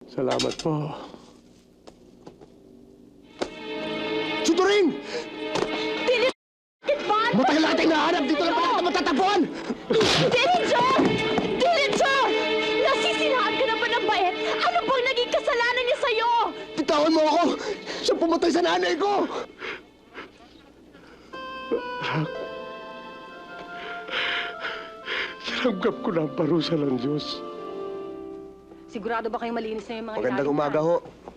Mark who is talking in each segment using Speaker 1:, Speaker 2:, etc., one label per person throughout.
Speaker 1: Salamat po. Suturing! Matagal na kitang nahanap! Dito lang pala kita matatagpuan!
Speaker 2: Dillinger! Dillinger! Nasisirahan ka na ba ng bait? Ano bang naging kasalanan niya sa'yo?
Speaker 1: Bitawan mo ako! Siya pumatay sa nanay ko! Tinanggap ko na ang parusa ng Diyos.
Speaker 2: Sigurado ba kayong malinis na yung mga
Speaker 1: Magandang
Speaker 2: ilalim
Speaker 1: umaga
Speaker 2: na?
Speaker 1: ho.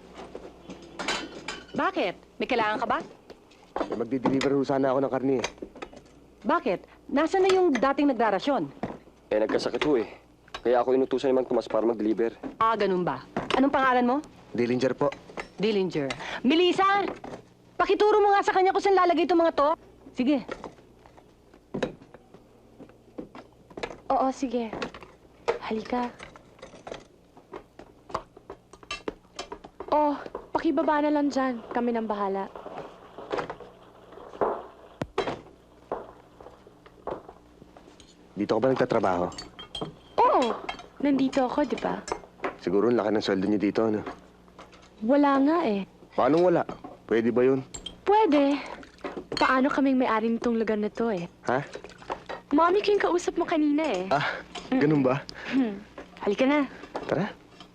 Speaker 2: Bakit? May kailangan ka ba?
Speaker 1: May magdi-deliver ho sana ako ng karne.
Speaker 2: Bakit? Nasaan na yung dating nagrarasyon?
Speaker 3: Nagkasakit ho eh. Kaya ako inutusan ni Mang Tomas para mag-deliver.
Speaker 2: Ah, ganun ba? Anong pangalan mo?
Speaker 1: Dillinger po.
Speaker 2: Dillinger. Melissa! Pakituro mo nga sa kanya kung saan lalagay itong mga to. Sige.
Speaker 4: Oo, sige. Halika. Oh, pakibaba na lang dyan. Kami nang bahala.
Speaker 1: Dito ka ba nagtatrabaho?
Speaker 4: Oo, nandito ako, di ba?
Speaker 1: Siguro ang laki ng sweldo niyo dito, ano?
Speaker 4: Wala nga eh.
Speaker 1: Paano wala? Pwede ba yun?
Speaker 4: Pwede. Paano kaming may-ari nitong lugar na to eh?
Speaker 1: Ha?
Speaker 4: Mommy ko yung kausap mo kanina eh.
Speaker 1: Ah, ganun ba?
Speaker 4: Halika na.
Speaker 1: Tara.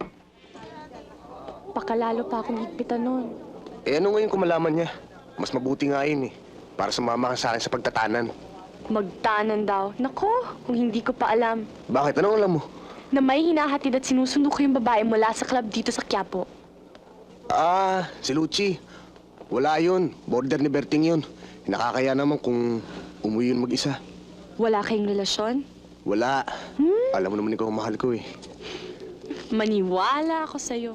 Speaker 4: Pakalalo pa akong higpitan nun.
Speaker 1: Eh ano ngayon kung malaman niya? Mas mabuti nga yun eh. Para sumama ka sa akin sa pagtatanan.
Speaker 4: Magtanan daw. Nako, kung hindi ko pa alam.
Speaker 1: Bakit? Anong alam mo?
Speaker 4: Na may hinahatid at sinusundo ko yung babae mula sa club dito sa Quiapo.
Speaker 1: Ah, si Lucci. Wala yun. Border ni Berting yun. Nakakaya naman kung umuwi yun mag-isa.
Speaker 4: Wala kayong relasyon?
Speaker 1: Wala. Alam mo naman ikaw ang mahal ko eh.
Speaker 4: Maniwala ako sa'yo.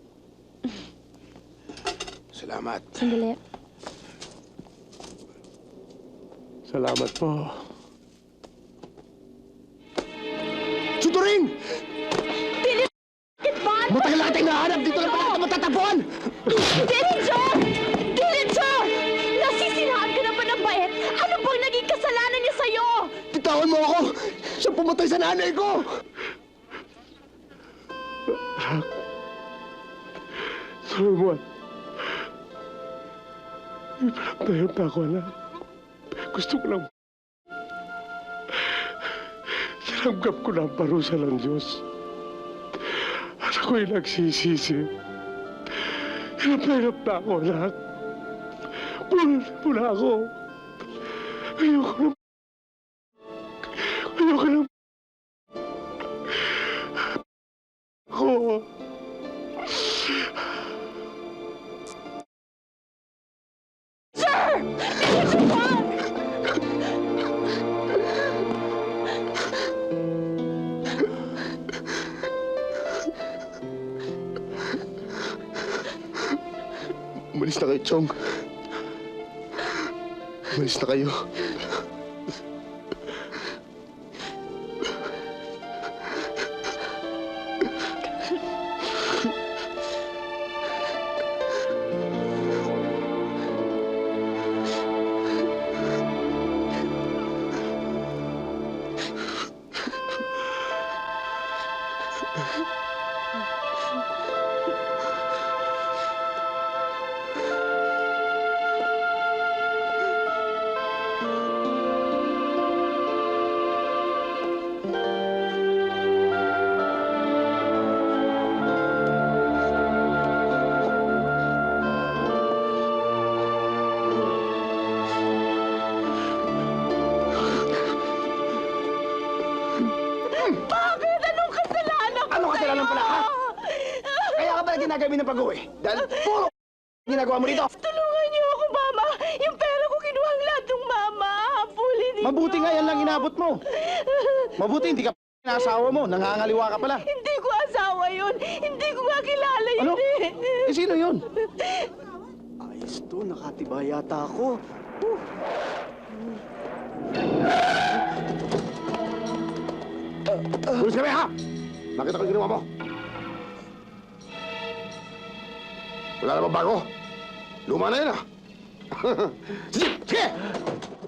Speaker 1: Salamat.
Speaker 4: Sandali.
Speaker 1: Salamat po. Suturing!
Speaker 2: Bakit ba?
Speaker 1: Matagal na kitang nahanap! Dito lang pala kita matatagpuan!
Speaker 2: Dillinger! Dillinger! Nasisirahan ka na ba ng bait? Ano bang naging kasalanan niya sa'yo?
Speaker 1: Bitawan mo ako! Siya pumatay sa nanay ko! Solomon, may pinagtayan pa ako, anak. Gusto ko lang... Tinanggap ko na ang parusa ng Diyos. At ako'y nagsisisi. Hirap na ako, anak. Pula ako. Ayoko na... Ayoko na... Ako... Umalis na kayo, Chong. Umalis na kayo.
Speaker 2: Bakit? Anong kasalanan ko
Speaker 1: Anong kasalanan
Speaker 2: sa'yo?
Speaker 1: pala, ha? Kaya ka pala ginagawa ng pag-uwi. Dahil puro ginagawa mo dito.
Speaker 2: Tulungan niyo ako, Mama. Yung pera ko kinuha ang lahat ng Mama. Habulin ninyo.
Speaker 5: Mabuti nga yan lang inabot mo. Mabuti hindi ka asawa mo. Nangangaliwa ka pala.
Speaker 2: Hindi ko asawa yun. Hindi ko nga kilala yun
Speaker 5: Ano?
Speaker 2: eh.
Speaker 5: Eh, sino yun?
Speaker 1: Ayos to, nakatibay yata ako.
Speaker 5: Pulis kami ha! Nakita ko yung ginawa mo. Wala namang bago. Luma na yun ah. Sige! Sige!